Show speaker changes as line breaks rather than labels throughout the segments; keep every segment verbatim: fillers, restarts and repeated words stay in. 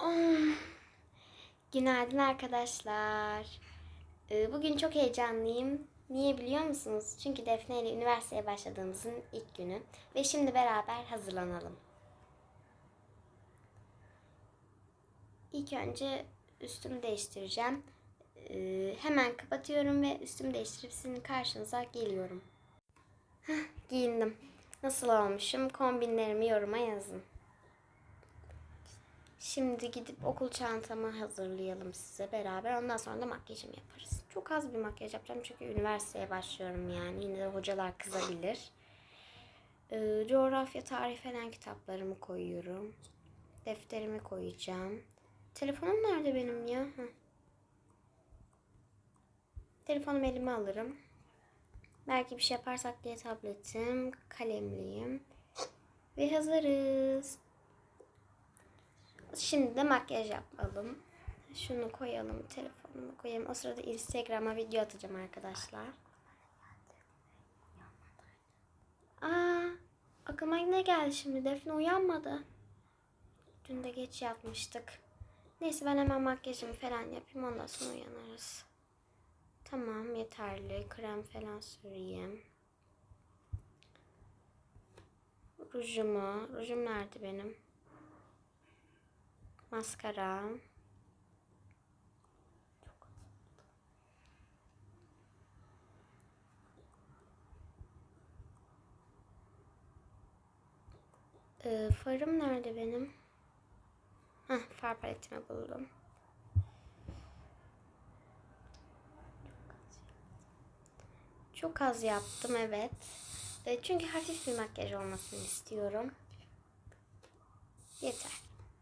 Oh. Günaydın arkadaşlar. Ee, Bugün çok heyecanlıyım. Niye biliyor musunuz? Çünkü Defne ile üniversiteye başladığımızın ilk günü. Ve şimdi beraber hazırlanalım. İlk önce üstümü değiştireceğim. Ee, Hemen kapatıyorum ve üstümü değiştirip sizin karşınıza geliyorum. Heh, giyindim. Nasıl olmuşum? Kombinlerimi yoruma yazın. Şimdi gidip okul çantamı hazırlayalım size beraber. Ondan sonra da makyajımı yaparız. Çok az bir makyaj yapacağım çünkü üniversiteye başlıyorum yani. Yine de hocalar kızabilir. Ee, coğrafya, tarih falan kitaplarımı koyuyorum. Defterimi koyacağım. Telefonum nerede benim ya? Heh. Telefonumu elime alırım. Belki bir şey yaparsak diye tabletim, kalemliyim. Ve hazırız. Şimdi de makyaj yapalım. Şunu koyalım, telefonumu koyalım. O sırada Instagram'a video atacağım arkadaşlar. Aa, aklıma ne geldi şimdi? Defne uyanmadı. Dün de geç yatmıştık. Neyse ben hemen makyajımı falan yapayım. Ondan sonra uyanırız. Tamam, yeterli. Krem falan süreyim. Rujumu. Rujum nerede benim? Maskara. Ee, farım nerede benim? Heh, far paletimi buldum. Çok az yaptım, evet. E, çünkü hafif bir makyaj olmasını istiyorum. Yeter.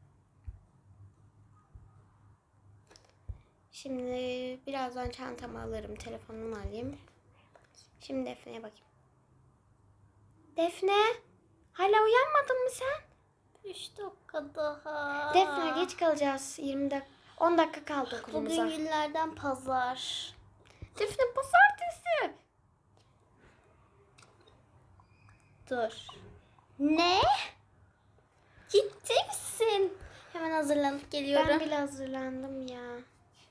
Şimdi birazdan çantamı alırım, telefonumu alayım. Şimdi Defne'ye bakayım. Defne, hala uyanmadın mı sen?
üç dakika daha.
Defne, geç kalacağız. yirmi dakika, on dakika kaldı okulumuza.
Bugün günlerden pazar.
Defne, pazartesi.
Dur. Ne? Ciddi misin? Hemen hazırlanıp geliyorum.
Ben bile hazırlandım ya.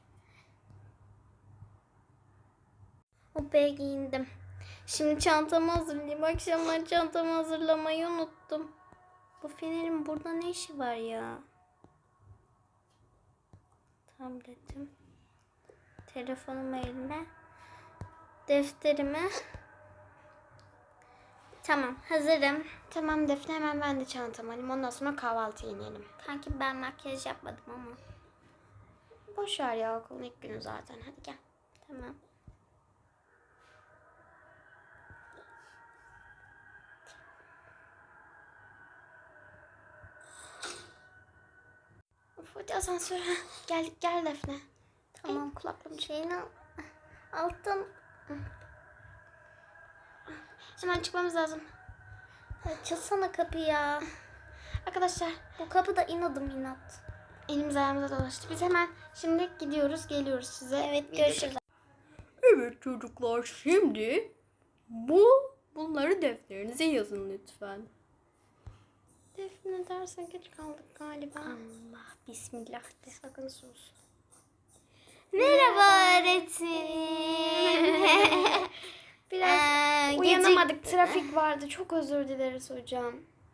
O be giyindim. Şimdi çantamı hazırlayayım. Akşamlar çantamı hazırlamayı unuttum. Bu fenerin burada ne işi var ya? Tabletim. Telefonum elime. Defterimi. Tamam, hazırım.
Tamam Defne, hemen ben de çantamı alayım. Ondan sonra kahvaltıya inelim.
Kanki ben makyaj yapmadım ama.
Boş ver ya, okulun ilk günü zaten. Hadi gel.
Tamam.
Of, hadi asansöre. Gel, gel Defne.
Tamam.
Kulaklığım
Şeyini al. Altın.
Hemen çıkmamız lazım.
Açılsana kapıyı ya.
Arkadaşlar,
Bu kapı da inadım inat.
elimiz ayağımıza dolaştı. Biz hemen şimdi gidiyoruz, geliyoruz size.
Evet,
Video
görüşürüz.
çek-
Evet çocuklar, şimdi bu bunları defterinize yazın lütfen.
Defne, derse geç kaldık galiba.
Allah bismillah de.
Sakın sus.
Merhaba öğretmenim.
Biraz
Ee,
uyanamadık.
gecik-
Trafik vardı. Çok özür dileriz hocam.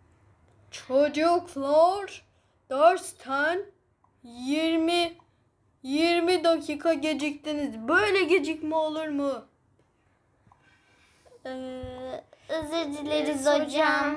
Çocuklar, dersten yirmi yirmi dakika geciktiniz. Böyle gecikme olur mu?
Ee, özür dileriz
Evet,
hocam.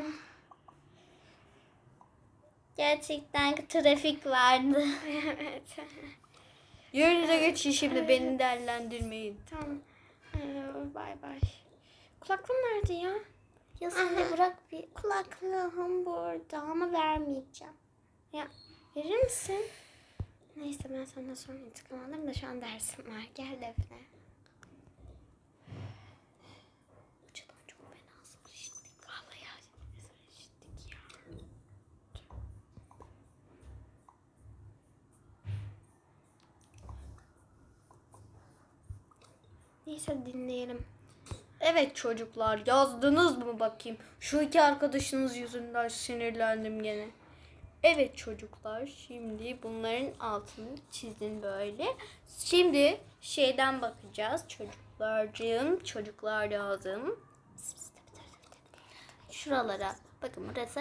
Gerçekten trafik vardı.
Evet.
Yerinize geçin, şimdi beni değerlendirmeyin.
Tamam. Ee, bay bay. Kulaklığım nerede ya?
Ya sen de bırak bir.
Kulaklığım burada ama vermeyeceğim. Ya verir misin? Neyse, ben senden sonra intikam alırım da şu an dersim var. Gel Defne. Hocadan çok fena azar işittik. Vallahi ya. Azar işittik ya. Neyse, dinleyelim.
Evet çocuklar, yazdınız mı bakayım? Şu iki arkadaşınız yüzünden sinirlendim gene. Evet çocuklar, şimdi bunların altını çizin böyle. Şimdi şeyden bakacağız çocuklarcığım. Çocuklar lazım. Şuralara. Bakın burası.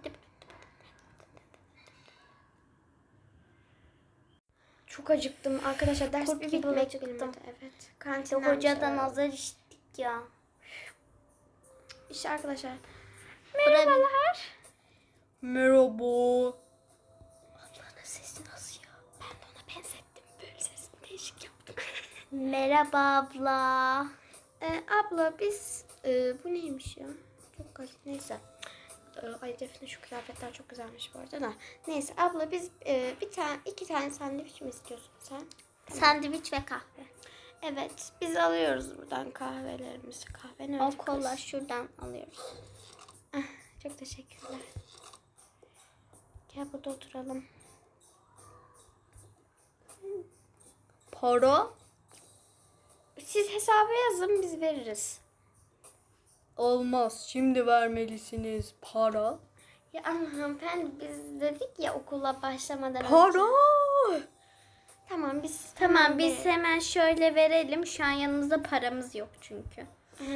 Çok acıktım arkadaşlar. Ders
Kurt
bir
gibi
bitmek
acıktım.
bilmedi. Evet. Kantinden
Hocadan
şey-
azar işittik ya.
İşte arkadaşlar.
Merhabalar.
Merhaba.
Ablanın sesi nasıl ya? Ben de ona benzettim. Böyle sesini değişik yaptım.
Merhaba abla.
Ee, abla biz e, bu neymiş ya? Çok garip. Neyse. Ee, ay Defne şu kıyafetler çok güzelmiş bu arada da. Neyse abla biz e, bir tane iki tane sandviç mi istiyorsun sen?
Sandviç ve kahve.
Evet. Biz alıyoruz buradan kahvelerimizi. Kahve ne
O
öyle
kola
kız?
şuradan alıyoruz.
Ah, çok teşekkürler. Gel burada oturalım.
Para
Siz hesabı yazın biz veririz.
olmaz. Şimdi vermelisiniz para.
Ya ama hanımefendi biz dedik ya okula başlamadan önce.
Para.
Tamam biz
Tamam biz
bir-
hemen şöyle verelim. Şu an yanımızda paramız yok çünkü.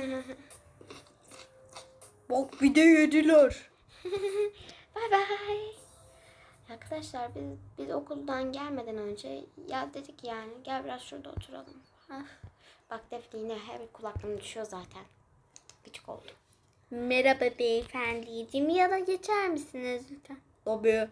Bak bir de yediler.
Bay bay. Arkadaşlar biz biz okuldan gelmeden önce ya dedik yani gel biraz şurada oturalım. Ah. Bak Defne yine her kulaklığım düşüyor zaten. Gıcık oldum.
Merhaba beyefendiciğim. Ya da geçer misiniz lütfen?
Tabii.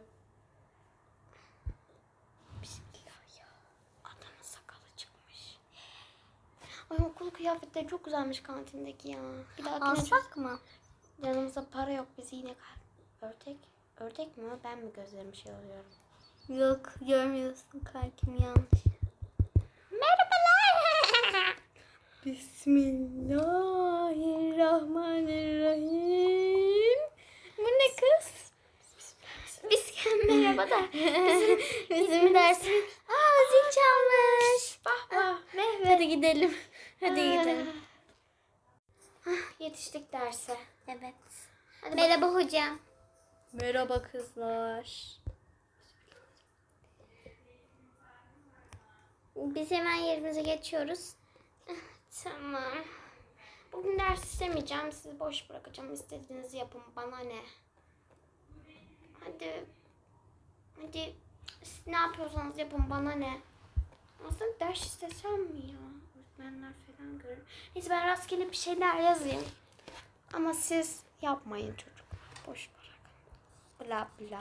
Bismillah ya. Adamın sakalı çıkmış. Ay okul kıyafetleri çok güzelmiş kantindeki ya. Bir daha
Alsak mı?
yanımızda para yok biz yine kal. Ördek. Ördek mi o? Ben mi gözlerim şey oluyorum?
Yok görmüyorsun kankim yanlış.
Merhabalar.
Bismillahirrahmanirrahim.
Bu ne kız?
Biz merhaba da. Bizim,
Bizim dersim. Aa zil çalmış.
bah bah.
Hadi gidelim. Hadi gidelim.
Ah, yetiştik derse.
Evet.
Hadi
Merhaba hocam.
Merhaba kızlar.
Biz hemen yerimize geçiyoruz.
Tamam. Bugün ders istemeyeceğim. Sizi boş bırakacağım. İstediğinizi yapın. Bana ne? Hadi. Hadi. Siz ne yapıyorsanız yapın. Bana ne? Aslında ders istesem mi ya? Öğretmenler falan görür. Neyse ben rastgele bir şeyler yazayım. Ama siz yapmayın çocuklar. Boş bırakın. Bla bla.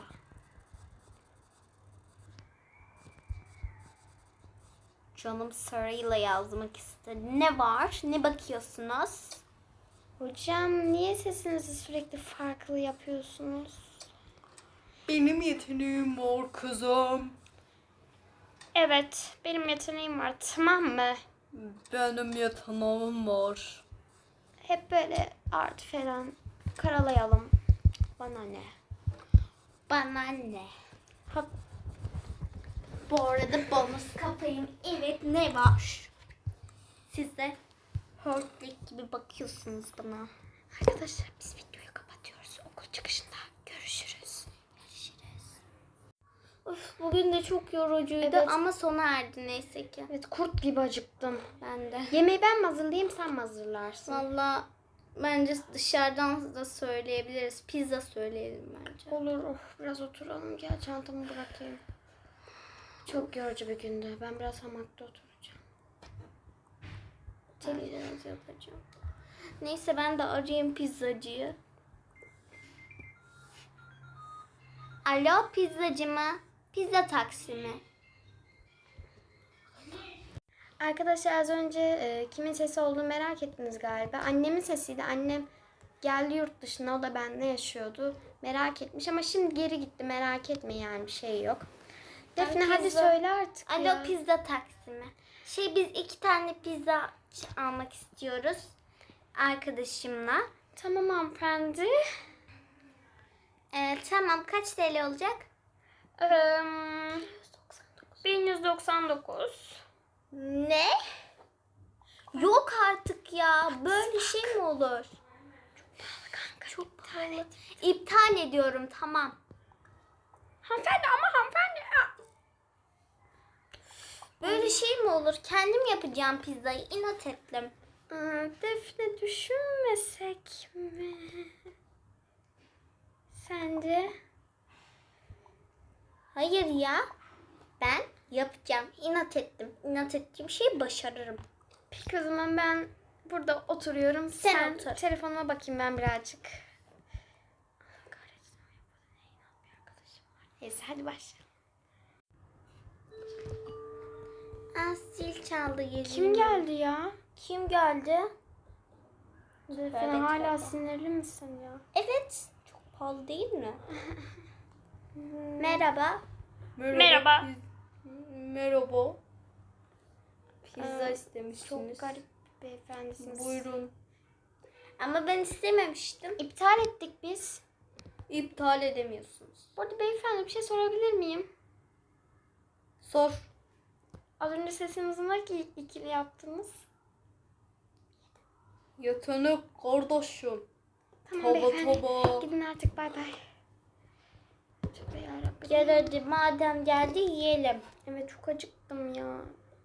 Canım sarıyla yazmak istedi. Ne var? Ne bakıyorsunuz?
Hocam niye sesinizi sürekli farklı yapıyorsunuz?
Benim yeteneğim var kızım.
Evet, benim yeteneğim var. Tamam mı?
Benim yeteneğim var.
Hep böyle art falan karalayalım. Bana ne?
Bana ne?
Ha,
Bu arada bonus kafayım. Evet ne var? Siz de hörtlük gibi bakıyorsunuz bana.
arkadaşlar biz videoyu kapatıyoruz. Okul çıkışında görüşürüz.
Of, bugün de çok yorucuydu
Evet.
ama sona erdi neyse ki.
Evet, kurt gibi acıktım.
Ben de.
Yemeği ben mi hazırlayayım, sen mi hazırlarsın?
Valla bence dışarıdan da söyleyebiliriz. Pizza söyleyelim bence.
Olur, of, biraz oturalım. Gel çantamı bırakayım. Çok yorucu bir gündü. Ben biraz hamakta oturacağım.
Televizyon yapacağım. Neyse ben de arayayım pizzacıyı. Alo pizzacı mı? Pizza taksi mi?
Arkadaşlar az önce e, kimin sesi olduğunu merak ettiniz galiba. Annemin sesiydi. Annem geldi yurt dışına. O da benimle yaşıyordu. Merak etmiş ama şimdi geri gitti. Merak etme yani bir şey yok. Defne
Ben
hadi
pizza-
söyle artık
Alo
ya.
pizza taksi mi? Şey biz iki tane pizza almak istiyoruz. Arkadaşımla.
Tamam hanımefendi.
Ee, tamam kaç T L olacak?
Ee, bin yüz doksan dokuz.
Ne? Yok artık ya. Böyle şey mi olur?
Kanka
Çok pahalı. İptal ediyorum tamam.
Hanımefendi ama hanımefendi.
Böyle şey mi olur? Kendim yapacağım pizzayı. İnat ettim.
Aa, Defne düşünmesek mi? Sence?
Hayır ya. Ben yapacağım. İnat ettim. İnat ettiğim şeyi başarırım.
Peki o zaman ben burada oturuyorum.
Sen
Sen,
otur.
telefonuma bakayım ben birazcık. Kahretsin. Neyse hadi başlayalım.
Aa, zil çaldı geliyor.
Kim geldi ya?
Kim geldi?
Defne
Evet,
hala
evet.
sinirli misin ya?
Evet. Çok pahalı değil mi? Merhaba.
Merhaba.
Merhaba.
piz- Merhaba. Pizza
Ee,
istemişsiniz.
Çok garip bir beyefendisiniz.
Buyurun.
Ama ben istememiştim.
İptal ettik biz.
İptal edemiyorsunuz.
Bu arada beyefendi bir şey sorabilir miyim?
Sor.
Az önce sesinizi nasıl ikili yaptınız?
Yetenek kardeşim.
Tamam
Taba
beyefendi.
taba.
Gidin artık bay bay. Tövbe yarabbim.
Gel hadi madem geldi yiyelim.
Evet çok acıktım ya.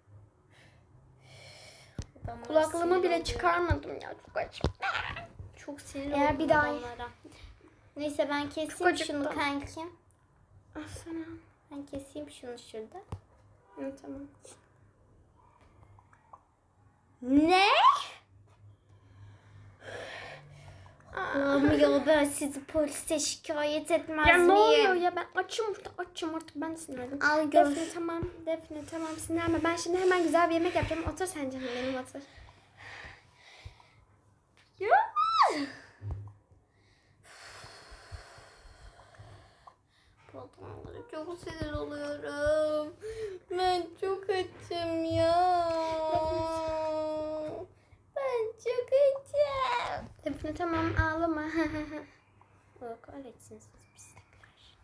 Adamlar
Kulaklığımı
sinir
bile
oluyor.
çıkarmadım ya çok acıktım.
Çok sinir
Eğer
oldum
bir daha-
adamlara. Neyse ben keseyim
acıktım.
şunu kankim.
Ah sana.
Ben keseyim şunu şurada.
Evet, tamam.
Ne? Allah'ım ya ben sizi polise şikayet etmez
Ya ne
miyim?
oluyor ya ben açım burada açım artık ben de sinirlendim.
Al gör.
Defne tamam Defne tamam sinirlenme ben şimdi hemen güzel bir yemek yapacağım otur sen canım benim otur.
Ya. Bu adamlara çok sinir oluyorum. Ben çok açım ya. Ben çok açım.
Defne tamam ağlama. Allah kahretsin siz pislikler.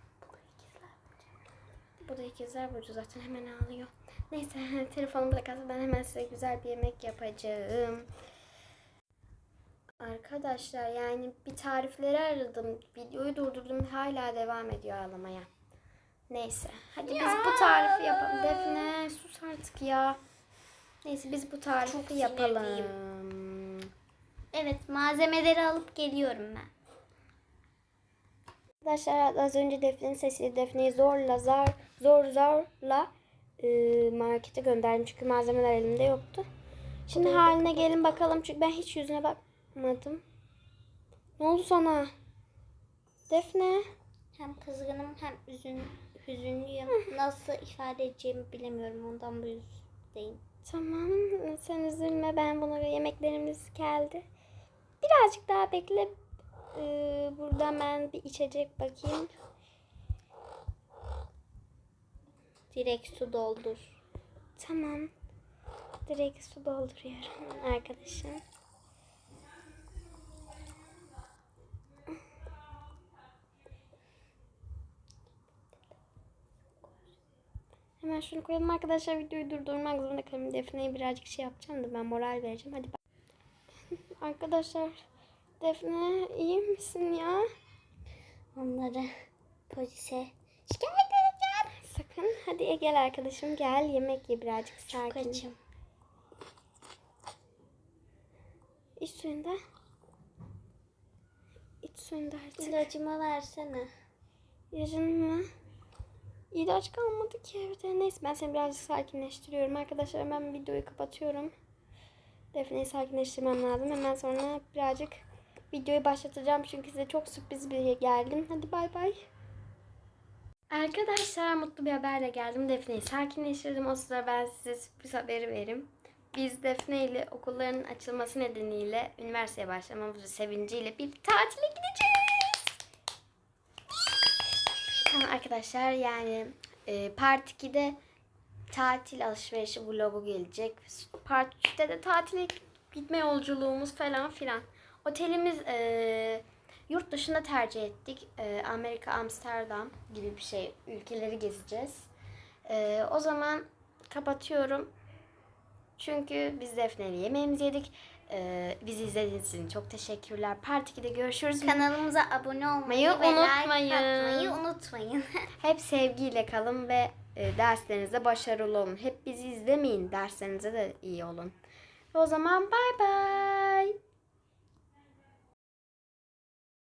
Bu da ikizler burcu zaten hemen ağlıyor. Neyse telefonumu bırakalım ben hemen size güzel bir yemek yapacağım. Arkadaşlar yani bir tarifleri aradım. Videoyu durdurdum hala devam ediyor ağlamaya. Neyse hadi biz bu tarifi yapalım. Defne sus artık ya. Neyse biz bu tarifi
Çok
yapalım.
Evet malzemeleri alıp geliyorum ben.
Arkadaşlar az önce Defne'nin sesiyle Defne'yi zorla zar zor zorla e, markete gönderdim çünkü malzemeler elimde yoktu. Şimdi haline gelin bakalım çünkü ben hiç yüzüne bakmadım. Ne oldu sana? Defne?
Hem kızgınım hem üzün, hüzünlüyüm. Nasıl ifade edeceğimi bilemiyorum ondan bu yüzdeyim.
Tamam sen üzülme ben bunu yemeklerimiz geldi. Birazcık daha bekle. Ee, buradan ben bir içecek bakayım.
Direkt su doldur.
Tamam. Direkt su dolduruyorum arkadaşım. Hemen şunu koyalım arkadaşlar. Videoyu durdurmak zorunda kalın. Defne'ye birazcık şey yapacağım da ben moral vereceğim. Hadi bak. Arkadaşlar Defne iyi misin ya?
Onları polise şikayet edeceğim.
Sakın. Hadi gel arkadaşım gel yemek ye birazcık
Çok
sakin.
açım.
İç suyunda. İç suyunda artık.
İlacımı versene.
Yarın mı? İlaç kalmadı ki evde. Neyse ben seni birazcık sakinleştiriyorum. Arkadaşlar hemen videoyu kapatıyorum. Defne'yi sakinleştirmem lazım. Hemen sonra birazcık videoyu başlatacağım. Çünkü size çok sürpriz bir geldim. Hadi bay bay. Arkadaşlar mutlu bir haberle geldim. Defne'yi sakinleştirdim. O sırada ben size sürpriz haberi vereyim. Biz Defne ile okulların açılması nedeniyle üniversiteye başlamamızın sevinciyle bir tatile gideceğiz. Tamam arkadaşlar yani e, Part iki'de tatil alışverişi vlogu gelecek. Part üç'te de tatile gitme yolculuğumuz falan filan. Otelimiz e, yurt dışında tercih ettik. E, Amerika, Amsterdam gibi bir şey. Ülkeleri gezeceğiz. E, o zaman kapatıyorum. Çünkü biz Defne'yle yemeğimizi yedik. Ee, bizi izlediğiniz için çok teşekkürler. Part ikide görüşürüz.
Kanalımıza abone olmayı
Unutmayın.
ve like atmayı unutmayın.
Hep sevgiyle kalın ve e, derslerinizde başarılı olun. Hep bizi izlemeyin. Derslerinize de iyi olun. O zaman bay bay.